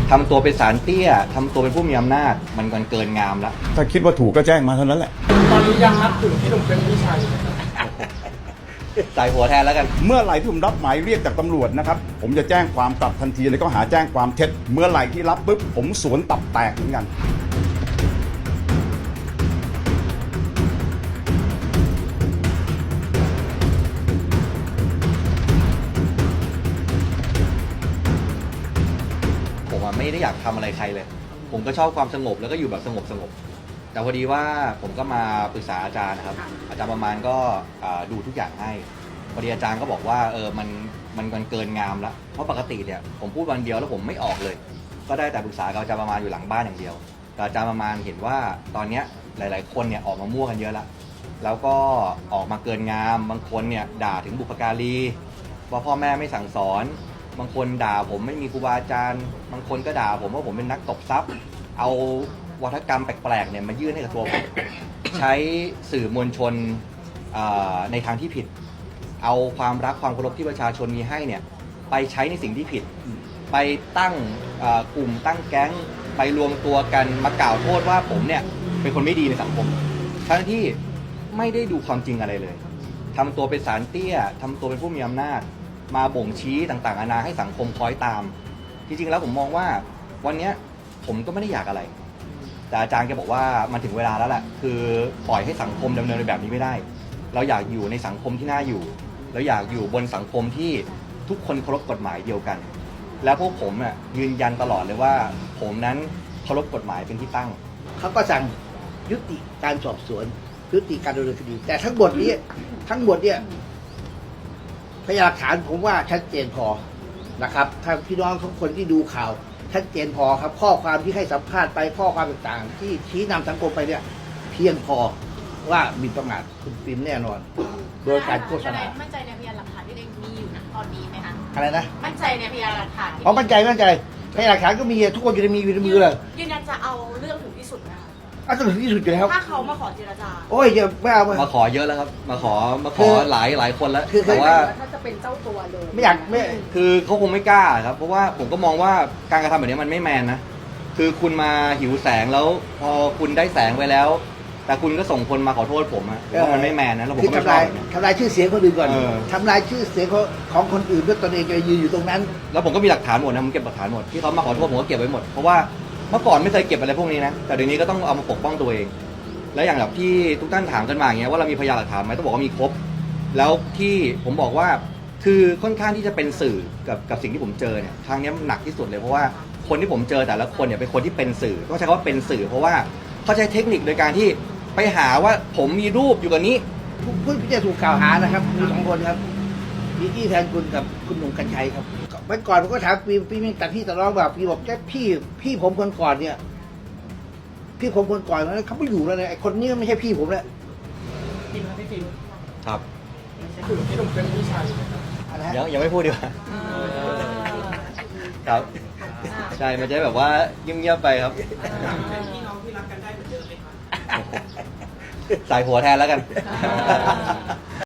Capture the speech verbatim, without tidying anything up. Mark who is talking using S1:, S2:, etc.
S1: ทำตัวเป็นสารเตี้ยทำตัวเป็นผู้มีอำนาจมันกันเกินงามแล้ว
S2: ถ้าคิดว่าถูกก็แจ้งมาเท่านั้นแหละ
S3: ตอนนี้ยังนับถือพี่หนุ่มเป็นพี่ชายอยู่ไหมครับ
S1: ใส่หัวแทนแล้วกัน
S2: เมื่อไหร่ที่ผมรับหมายเรียกจากตำรวจนะครับผมจะแจ้งความกลับทันทีเลยก็หาแจ้งความเท็จเมื่อไหร่ที่รับปุ๊บผมสวนตับแตกเหมือนกัน
S1: ผมอะไม่ได้อยากทำอะไรใครเลย ผมก็ชอบความสงบแล้วก็อยู่แบบสงบสงบแต่พอดีว่าผมก็มาปรึกษาอาจารย์นะครับอาจารย์ประมาณก็อ่าดูทุกอย่างให้พอดีอาจารย์ก็บอกว่าเออมันมันมันเกินงามแล้วเพราะปกติเนี่ยผมพูดวันเดียวแล้วผมไม่ออกเลย ก็ได้แต่ปรึกษากับอาจารย์ประมาณอยู่หลังบ้านอย่างเดียวแต่อาจารย์ประมาณเห็นว่าตอนเนี้ยหลาย ๆ คนเนี่ยออกมามั่วกันเยอะแล้วแล้วก็ออกมาเกินงามบางคนเนี่ยด่าถึงบุพการีว่าพ่อแม่ไม่สั่งสอนบางคนด่าผมไม่มีครูบาอาจารย์บางคนก็ด่าผมว่าผมเป็นนักตบทรัพย์เอาวัฒกรรมแปลกๆเนี่ยมายื่นให้กับตัวผม ใช้สื่อมวลชนในทางที่ผิดเอาความรักความเคารพที่ประชาชนมีให้เนี่ยไปใช้ในสิ่งที่ผิดไปตั้งกลุ่มตั้งแก๊งไปรวมตัวกันมากล่าวโทษว่าผมเนี่ยเป็นคนไม่ดีในสังคมทั้งที่ไม่ได้ดูความจริงอะไรเลยทำตัวเป็นสารเตี้ยทำตัวเป็นผู้มีอำนาจมาบ่งชี้ต่างๆนานาให้สังคมคอยตามจริงๆแล้วผมมองว่าวันนี้ผมก็ไม่ได้อยากอะไรแต่อาจารย์แกบอกว่ามันถึงเวลาแล้วแหละคือปล่อยให้สังคมดำเนินไปแบบนี้ไม่ได้เราอยากอยู่ในสังคมที่น่าอยู่เราอยากอยู่บนสังคมที่ทุกคนเคารพกฎหมายเดียวกันแล้วพวกผมอ่ะยืนยันตลอดเลยว่าผมนั้นเคารพกฎหมายเป็นที่ตั้ง
S4: เขาก็สั่งยุติการสอบสวนยุติการดำเนินคดีแต่ทั้งหมดนี้ทั้งหมดเนี่ยพยานหลักฐานผมว่าชัดเจนพอนะครับถ้าพี่น้องทุกคนที่ดูข่าวชัดเจนพอครับข้อความที่ให้สัมภาษณ์ไปข้อความต่างๆที่ชี้นำสังคมไปเนี่ยเพียงพอว่าหมิ่นประมาทคุณปิ่นแน่นอนโดยการโฆษณา
S5: มั่นใจในพยานหลักฐานที่เองมีอยู่นะตอนนี้ไหมคะ
S4: อะไรนะ
S5: มั่นใจในพยานหลักฐาน
S4: อ๋อมั่นใจมั่นใจพยานหลักฐานก็มีทุกคนอยู่ในมีอยู่ในมือเลย
S5: ยืนยันจะเอาเรื่องถึงที่สุดนะคะ
S4: อ่ะต้องถึงที่สุดอยู่แล้ว
S5: ถ้าเขามาขอเจรจา
S4: โอ้ยอย่าไม่เอา
S1: มาขอเยอะแล้วครับมาขอมาขอหลายหลายคนแล้วแต่ว่า
S5: ถ้าจะเป็นเจ้าตัวเลย
S4: ไม่อยากไม่
S1: คือเขาคงไม่กล้าครับเพราะว่าผมก็มองว่าการกระทำแบบนี้มันไม่แมนนะคือคุณมาหิวแสงแล้วพอคุณได้แสงไปแล้วแต่คุณก็ส่งคนมาขอโทษผมอะว่ามันไม่แมนนะแล้วผมก็ไม่ชอบ
S4: ทำลายชื่อเสียงคนอื่นก่อนทำลายชื่อเสียงของคนอื่นด้วยตนเองจะยืนอยู่ตรงนั้น
S1: แล้วผมก็มีหลักฐานหมดนะผมเก็บหลักฐานหมดที่เขามาขอโทษผมก็เก็บไว้หมดเพราะว่าเมื่อก่อนไม่เคยเก็บอะไรพวกนี้นะแต่เดี๋ยวนี้ก็ต้องเอามาปกป้องตัวเองแล้วอย่างแบบที่ทุกท่านถามกันมาอย่างเงี้ยว่าเรามีพยานหลักฐานไหมต้องบอกว่ามีครบแล้วที่ผมบอกว่าคือค่อนข้างที่จะเป็นสื่อกับกับสิ่งที่ผมเจอเนี่ยครั้งนี้หนักที่สุดเลยเพราะว่าคนที่ผมเจอแต่ละคนเนี่ยเป็นคนที่เป็นสื่อต้องใช้คำว่าเป็นสื่อเพราะว่าเขาใช้เทคนิคโดยการที่ไปหาว่าผมมีรูปอยู่กับนี้
S4: ผู้ที่จะถูกกล่าวหานะครับมีสองคนครับมีพี่แทนคุณกับคุณหนุ่มกัญชัยครับเมื่อก่อนผมก็ถามพี่พี่มีแต่พี่ตะร้องแบบพี่บอกแค่พี่พี่ผมคนก่อนเนี่ยพี่ผมคนก่อนแล้วเขาไม่อยู่แล้วเนี่ยไอ้คนนี้ไม่ใช่พี่ผมแล้ว
S3: ฟิล์มครับพี่ฟิล์ม
S1: ครับ
S3: ถือพี่หนุ่มเป็นพี่ชายอยู่ไหมครับ
S1: ยังยังไม่พูดดีกว่าครับใช่มันจะแบบว่าเงียบๆไปครับ
S3: พี่น้องที่รักกันได้เหมือนเดิมไหมครับ
S1: ใส่หัวแทนแล้วกัน